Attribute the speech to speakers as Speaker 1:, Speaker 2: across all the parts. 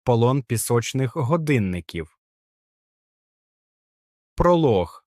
Speaker 1: Полон пісочних годинників. Пролог.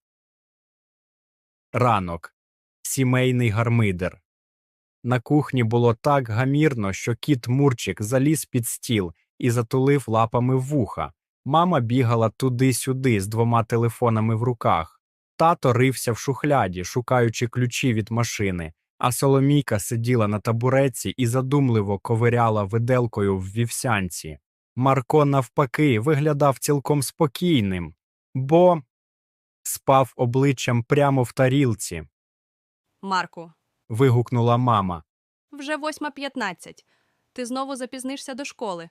Speaker 1: Ранок. Сімейний гармидер. На кухні було так гамірно, що кіт Мурчик заліз під стіл і затулив лапами вуха. Мама бігала туди-сюди з 2 телефонами в руках. Тато рився в шухляді, шукаючи ключі від машини, а Соломійка сиділа на табуретці і задумливо ковиряла виделкою в вівсянці. Марко, навпаки, виглядав цілком спокійним, бо спав обличчям прямо в тарілці.
Speaker 2: Марку,
Speaker 1: Вигукнула мама.
Speaker 2: вже 8:15. Ти знову запізнишся до школи.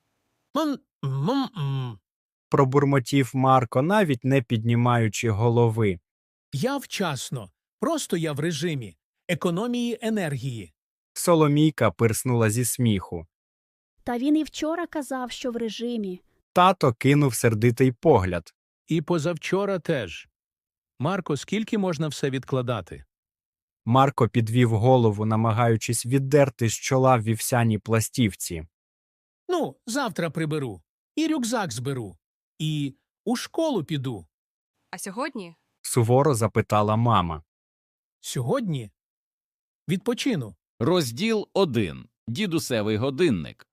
Speaker 1: Пробурмотів Марко, навіть не піднімаючи голови.
Speaker 3: Я вчасно. Просто я в режимі економії енергії.
Speaker 1: Соломійка пирснула зі сміху.
Speaker 4: Та він і вчора казав, що в режимі.
Speaker 1: Тато кинув сердитий погляд.
Speaker 3: І позавчора теж. Марко, скільки можна все відкладати?
Speaker 1: Марко підвів голову, намагаючись віддерти з чола вівсяні пластівці.
Speaker 3: Ну, завтра приберу. І рюкзак зберу. І у школу піду.
Speaker 2: А сьогодні?
Speaker 1: Суворо запитала мама.
Speaker 3: Сьогодні відпочину.
Speaker 5: Розділ 1. Дідусевий годинник.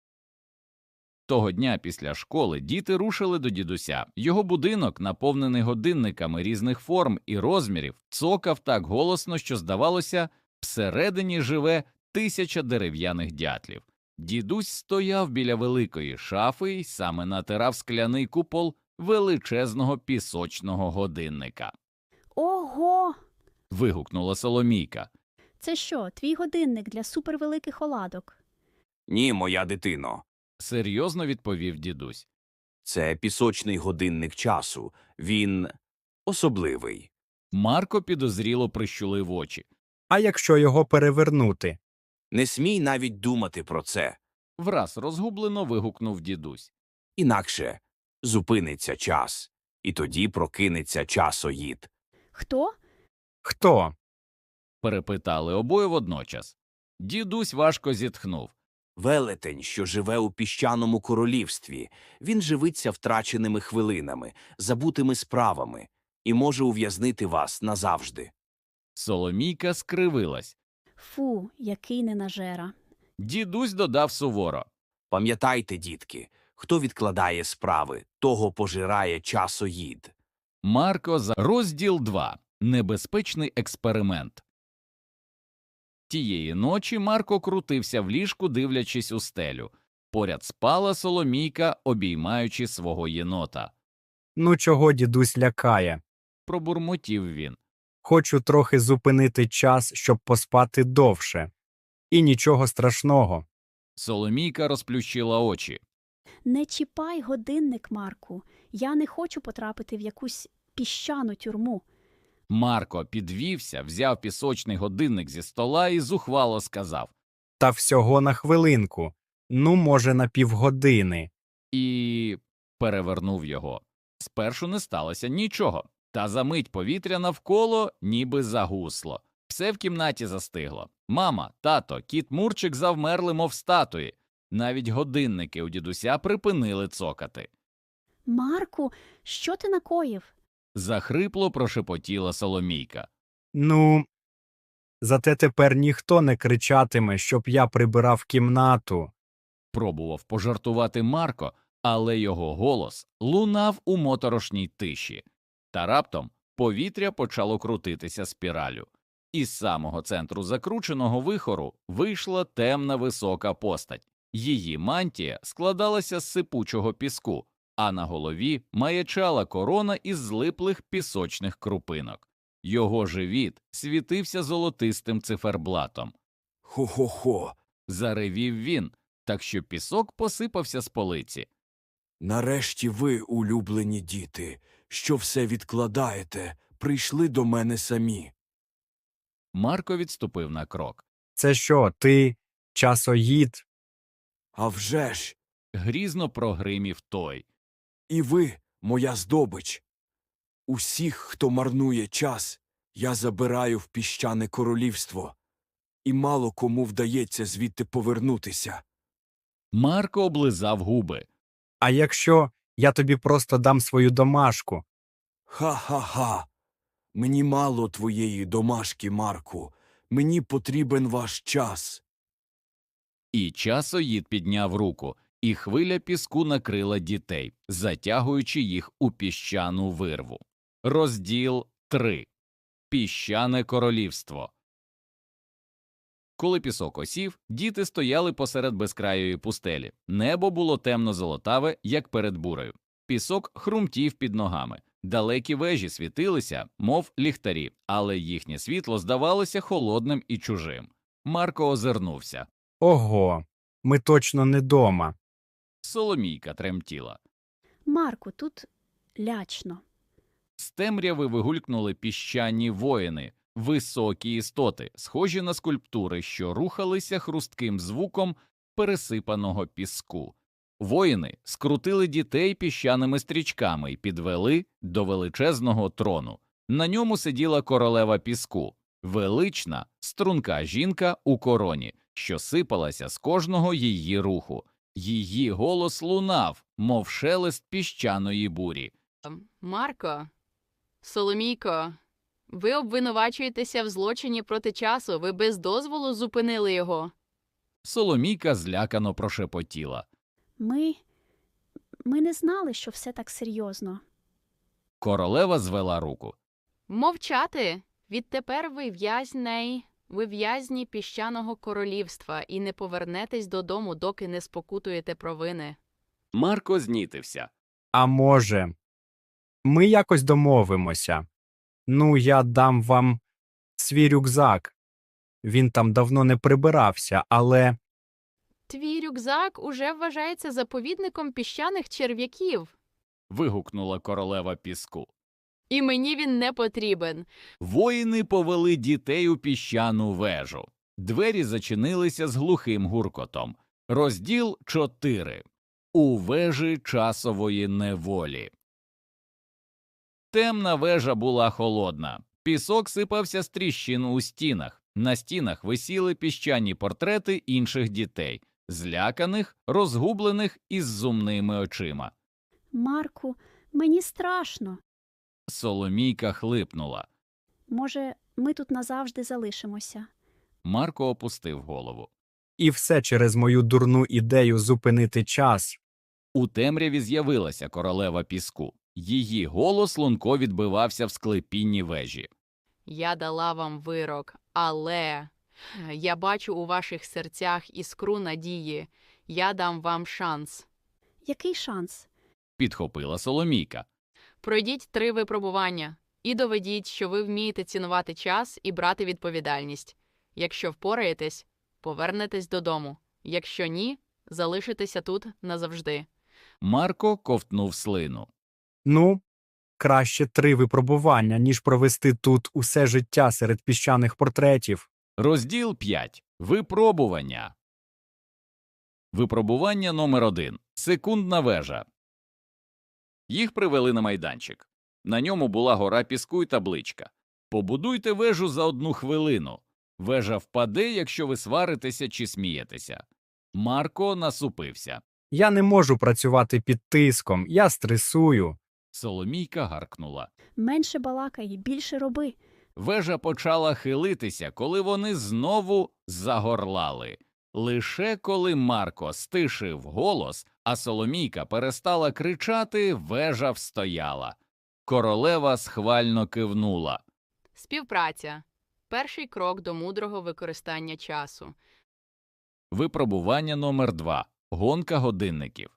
Speaker 5: Того дня після школи діти рушили до дідуся. Його будинок, наповнений годинниками різних форм і розмірів, цокав так голосно, що, здавалося, всередині живе 1000 дерев'яних дятлів. Дідусь стояв біля великої шафи й саме натирав скляний купол величезного пісочного годинника.
Speaker 4: Ого!
Speaker 5: Вигукнула Соломійка.
Speaker 4: Це що, твій годинник для супервеликих оладок?
Speaker 6: Ні, моя дитино.
Speaker 5: Серйозно відповів дідусь.
Speaker 6: Це пісочний годинник часу. Він особливий.
Speaker 5: Марко підозріло прищулив очі.
Speaker 1: А якщо його перевернути?
Speaker 6: Не смій навіть думати про це.
Speaker 5: Враз розгублено вигукнув дідусь.
Speaker 6: Інакше зупиниться час, і тоді прокинеться часоїд.
Speaker 4: Хто?
Speaker 1: Хто?
Speaker 5: Перепитали обоє водночас. Дідусь важко зітхнув.
Speaker 6: Велетень, що живе у піщаному королівстві. Він живиться втраченими хвилинами, забутими справами і може ув'язнити вас назавжди.
Speaker 5: Соломійка скривилась.
Speaker 4: Фу, який ненажера.
Speaker 5: Дідусь додав суворо.
Speaker 6: Пам'ятайте, дітки, хто відкладає справи, того пожирає часоїд.
Speaker 5: Марко за розділ 2. Небезпечний експеримент. Тієї ночі Марко крутився в ліжку, дивлячись у стелю. Поряд спала Соломійка, обіймаючи свого єнота.
Speaker 1: Ну чого дідусь лякає?
Speaker 5: Пробурмотів він.
Speaker 1: Хочу трохи зупинити час, щоб поспати довше. І нічого страшного.
Speaker 5: Соломійка розплющила очі.
Speaker 4: Не чіпай годинник, Марку. Я не хочу потрапити в якусь піщану тюрму.
Speaker 5: Марко підвівся, взяв пісочний годинник зі стола і зухвало сказав.
Speaker 1: Та всього на хвилинку. Ну, може, на півгодини.
Speaker 5: І перевернув його. Спершу не сталося нічого, та за мить повітря навколо ніби загусло. Все в кімнаті застигло. Мама, тато, кіт Мурчик завмерли, мов статуї. Навіть годинники у дідуся припинили цокати.
Speaker 4: Марку, що ти накоїв?
Speaker 5: Захрипло прошепотіла Соломійка.
Speaker 1: Ну, зате тепер ніхто не кричатиме, щоб я прибирав кімнату.
Speaker 5: Пробував пожартувати Марко, але його голос лунав у моторошній тиші. Та раптом повітря почало крутитися спіралю. Із самого центру закрученого вихору вийшла темна висока постать. Її мантія складалася з сипучого піску, а на голові маячала корона із злиплих пісочних крупинок. Його живіт світився золотистим циферблатом.
Speaker 6: Хо-хо-хо.
Speaker 5: Заревів він, так що пісок посипався з полиці.
Speaker 6: Нарешті ви, улюблені діти, що все відкладаєте, прийшли до мене самі.
Speaker 5: Марко відступив на крок.
Speaker 1: Це що, ти часоїд?
Speaker 6: А вже ж,
Speaker 5: Грізно прогримів той.
Speaker 6: і ви, моя здобич. Усіх, хто марнує час, я забираю в піщане королівство, і мало кому вдається звідти повернутися.
Speaker 5: Марко облизав губи.
Speaker 1: А якщо я тобі просто дам свою домашку?
Speaker 6: Ха-ха-ха. Мені мало твоєї домашки, Марку. Мені потрібен ваш час.
Speaker 5: І часоїд підняв руку, і хвиля піску накрила дітей, затягуючи їх у піщану вирву. Розділ 3. Піщане королівство. Коли пісок осів, діти стояли посеред безкрайої пустелі. Небо було темно-золотаве, як перед бурею. Пісок хрумтів під ногами. Далекі вежі світилися, мов ліхтарі, але їхнє світло здавалося холодним і чужим. Марко озирнувся.
Speaker 1: Ого, ми точно не дома.
Speaker 5: Соломійка тремтіла.
Speaker 4: Марку, тут лячно.
Speaker 5: З темряви вигулькнули піщані воїни, високі істоти, схожі на скульптури, що рухалися хрустким звуком пересипаного піску. Воїни скрутили дітей піщаними стрічками і підвели до величезного трону. На ньому сиділа королева піску, велична, струнка жінка у короні, що сипалася з кожного її руху. Її голос лунав, мов шелест піщаної бурі.
Speaker 7: Марко, Соломійко, ви обвинувачуєтеся в злочині проти часу, ви без дозволу зупинили його.
Speaker 5: Соломійка злякано прошепотіла.
Speaker 4: Ми не знали, що все так серйозно.
Speaker 5: Королева звела руку.
Speaker 7: Мовчати! Відтепер ви в'язні піщаного королівства і не повернетесь додому, доки не спокутуєте провини.
Speaker 5: Марко знітився.
Speaker 1: А може, ми якось домовимося? Ну, я дам вам свій рюкзак. Він там давно не прибирався, але...
Speaker 7: Твій рюкзак уже вважається заповідником піщаних черв'яків.
Speaker 5: Вигукнула королева піску.
Speaker 7: І мені він не потрібен.
Speaker 5: Воїни повели дітей у піщану вежу. Двері зачинилися з глухим гуркотом. Розділ 4. У вежі часової неволі. Темна вежа була холодна. Пісок сипався з тріщин у стінах. На стінах висіли піщані портрети інших дітей, зляканих, розгублених із зумними очима.
Speaker 4: Марку, мені страшно.
Speaker 5: Соломійка хлипнула.
Speaker 4: Може, ми тут назавжди залишимося.
Speaker 5: Марко опустив голову.
Speaker 1: І все через мою дурну ідею зупинити час.
Speaker 5: У темряві з'явилася королева піску. Її голос лунко відбивався в склепінні вежі.
Speaker 7: Я дала вам вирок, але я бачу у ваших серцях іскру надії. Я дам вам шанс.
Speaker 4: Який шанс?
Speaker 5: Підхопила Соломійка.
Speaker 7: Пройдіть 3 випробування і доведіть, що ви вмієте цінувати час і брати відповідальність. Якщо впораєтесь, повернетесь додому. Якщо ні, залишитеся тут назавжди.
Speaker 5: Марко ковтнув слину.
Speaker 1: Ну, краще 3 випробування, ніж провести тут усе життя серед піщаних портретів.
Speaker 5: Розділ 5. Випробування. Випробування номер 1. Секундна вежа. Їх привели на майданчик. На ньому була гора піску й табличка. Побудуйте вежу за 1 хвилину. Вежа впаде, якщо ви сваритеся чи смієтеся. Марко насупився.
Speaker 1: Я не можу працювати під тиском, я стресую.
Speaker 5: Соломійка гаркнула.
Speaker 4: Менше балакай, більше роби.
Speaker 5: Вежа почала хилитися, коли вони знову загорлали. Лише коли Марко стишив голос, а Соломійка перестала кричати, вежа встояла. Королева схвально кивнула.
Speaker 7: Співпраця. Перший крок до мудрого використання часу.
Speaker 5: Випробування номер 2. Гонка годинників.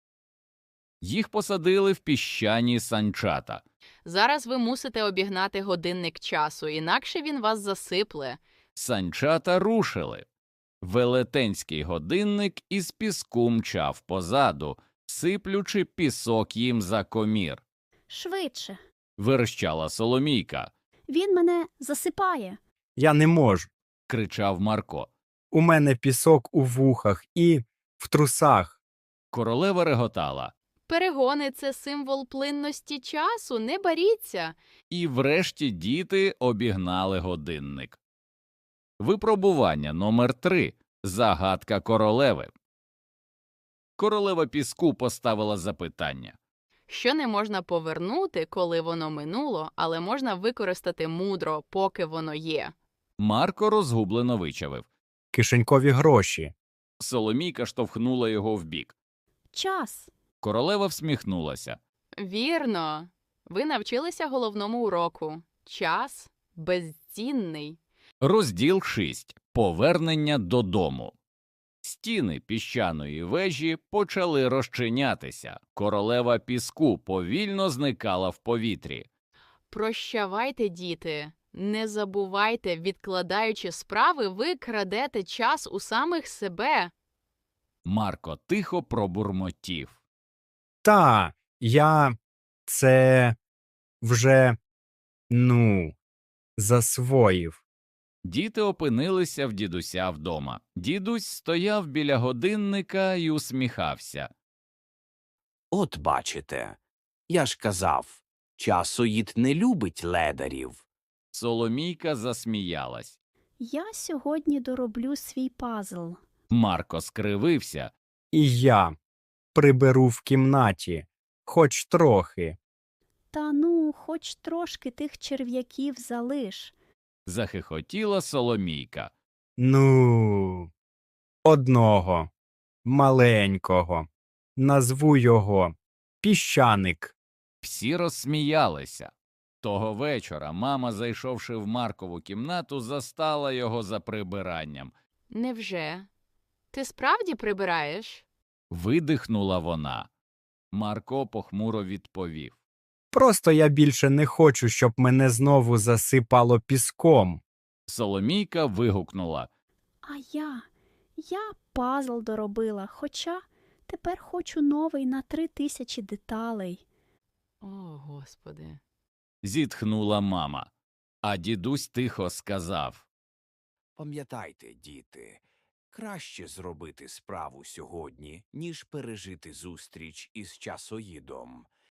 Speaker 5: Їх посадили в піщані санчата.
Speaker 7: Зараз ви мусите обігнати годинник часу, інакше він вас засипле.
Speaker 5: Санчата рушили. Велетенський годинник із піску мчав позаду, сиплючи пісок їм за комір.
Speaker 4: Швидше.
Speaker 5: Верещала Соломійка.
Speaker 4: Він мене засипає.
Speaker 1: Я не можу.
Speaker 5: Кричав Марко.
Speaker 1: У мене пісок у вухах і в трусах.
Speaker 5: Королева реготала.
Speaker 7: Перегони – це символ плинності часу, не боріться.
Speaker 5: І врешті діти обігнали годинник. Випробування номер 3. Загадка королеви. Королева піску поставила запитання.
Speaker 7: Що не можна повернути, коли воно минуло, але можна використати мудро, поки воно є.
Speaker 5: Марко розгублено вичавив.
Speaker 1: Кишенькові гроші.
Speaker 5: Соломійка штовхнула його вбік.
Speaker 4: Час.
Speaker 5: Королева всміхнулася.
Speaker 7: Вірно. Ви навчилися головному уроку. Час безцінний.
Speaker 5: Розділ 6. Повернення додому. Стіни піщаної вежі почали розчинятися. Королева піску повільно зникала в повітрі.
Speaker 7: Прощавайте, діти. Не забувайте, відкладаючи справи, ви крадете час у самих себе.
Speaker 5: Марко тихо пробурмотів.
Speaker 1: Та, я це вже, засвоїв.
Speaker 5: Діти опинилися в дідуся вдома. Дідусь стояв біля годинника і усміхався.
Speaker 6: От бачите, я ж казав, часоїд не любить ледарів.
Speaker 5: Соломійка засміялась.
Speaker 4: Я сьогодні дороблю свій пазл.
Speaker 5: Марко скривився.
Speaker 1: І я приберу в кімнаті, хоч трохи.
Speaker 4: Та ну, хоч трошки тих черв'яків залиш.
Speaker 5: Захихотіла Соломійка.
Speaker 1: Одного, маленького. Назву його Піщаник.
Speaker 5: Всі розсміялися. Того вечора мама, зайшовши в Маркову кімнату, застала його за прибиранням.
Speaker 7: Невже? Ти справді прибираєш?
Speaker 5: Видихнула вона. Марко похмуро відповів.
Speaker 1: Просто я більше не хочу, щоб мене знову засипало піском.
Speaker 5: Соломійка вигукнула.
Speaker 4: А я пазл доробила, хоча тепер хочу новий на 3000 деталей.
Speaker 7: О, Господи.
Speaker 5: Зітхнула мама. А дідусь тихо сказав.
Speaker 6: Пам'ятайте, діти, краще зробити справу сьогодні, ніж пережити зустріч із часоїдом.